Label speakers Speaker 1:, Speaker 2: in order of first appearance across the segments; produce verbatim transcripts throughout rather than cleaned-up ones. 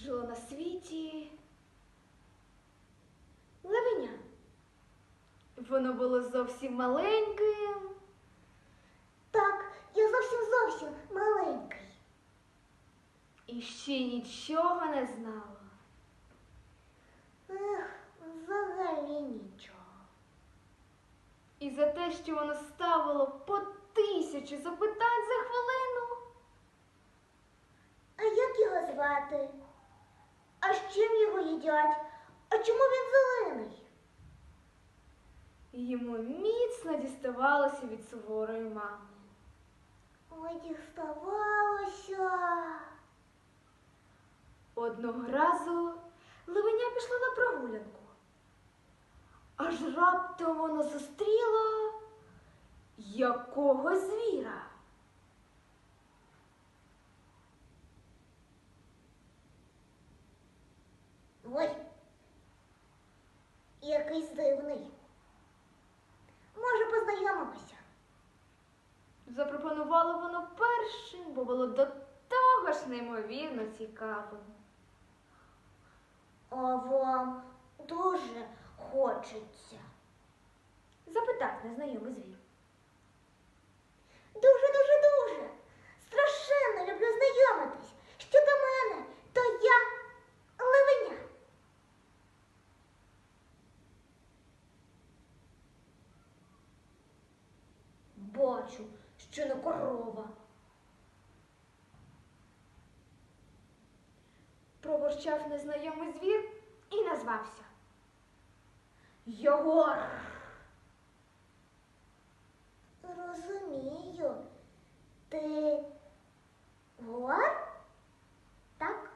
Speaker 1: жило на світі левеня. Воно було зовсім маленьким.
Speaker 2: Так, я зовсім-зовсім маленький.
Speaker 1: І ще нічого не знало.
Speaker 2: Ех, взагалі нічого.
Speaker 1: І за те, що воно ставило по тисячі запитань за хвилину.
Speaker 2: А як його звати? А з чим його їдять? А чому він зелений?
Speaker 1: Йому міцно діставалося від суворої мами.
Speaker 2: Ой, діставалося.
Speaker 1: Одного разу левеня пішло на прогулянку. Аж раптом воно зустріло якогось звіра.
Speaker 2: Ой, якийсь дивний. Може, познайомимося?
Speaker 1: Запропонувало воно першим, бо було до того ж неймовірно цікавим.
Speaker 2: А вам дуже хочеться?
Speaker 1: Запитав незнайомий звір.
Speaker 2: Дуже-дуже-дуже. Страшенно люблю знайомитись. Що до мене, то я левеня.
Speaker 1: Бачу, що не корова. Проворчав незнайомий звір і назвався. Ягуар.
Speaker 2: Розумію. Ти гуар? Так?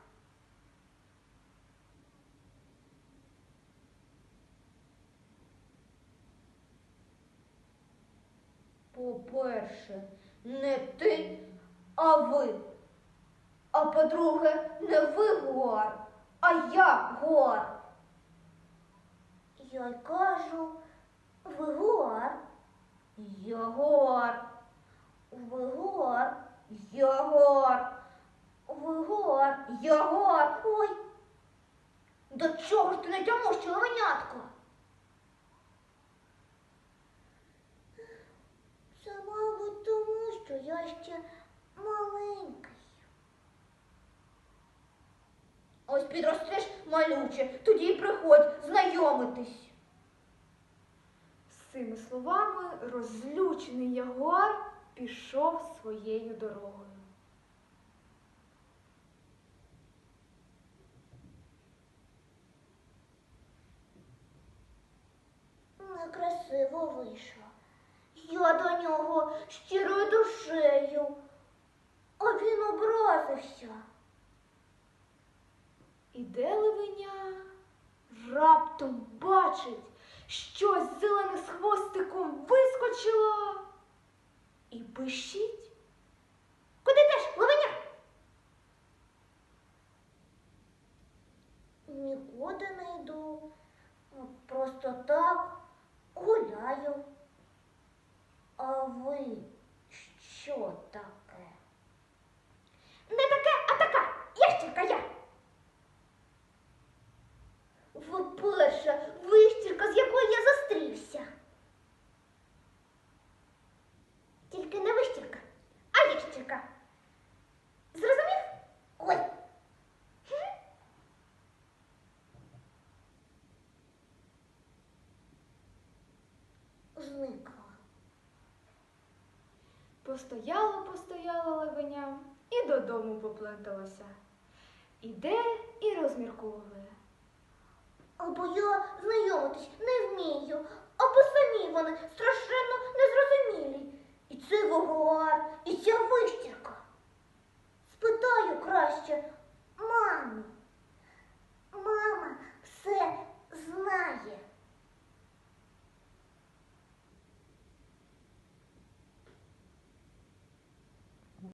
Speaker 1: По-перше, не ти, а ви. А по-друге, не ви гуар, а я гуар.
Speaker 2: Я й кажу, ви гуар.
Speaker 1: Ягуар.
Speaker 2: Ви гуар.
Speaker 1: Ягуар.
Speaker 2: Ви гуар.
Speaker 1: Ягуар.
Speaker 2: Ой,
Speaker 1: До чого ж ти не тямуща, левенятко?
Speaker 2: це, мабуть, тому, що я ще маленький.
Speaker 1: Ось підростеш малюче, тоді й приходь знайомитись. З цими словами розлючений ягуар пішов своєю дорогою.
Speaker 2: Некрасиво вийшло. Я до нього щирою душею, а він образився.
Speaker 1: Іде левеня, раптом бачить, щось зелене з хвостиком вискочило і пищить.
Speaker 2: Куди йдеш, левеня? Нікуди не йду. Просто так гуляю. А ви що таке?
Speaker 1: Не таке, а така, ящірка я.
Speaker 2: Ви перша вищірка, з якою я зустрівся. Тільки не вищірка, а ящірка. Зрозумів? Ой. Зникла.
Speaker 1: Постояло, постояло левеня і додому попленталося. Іде і розмірковує.
Speaker 2: Або я знайомитись не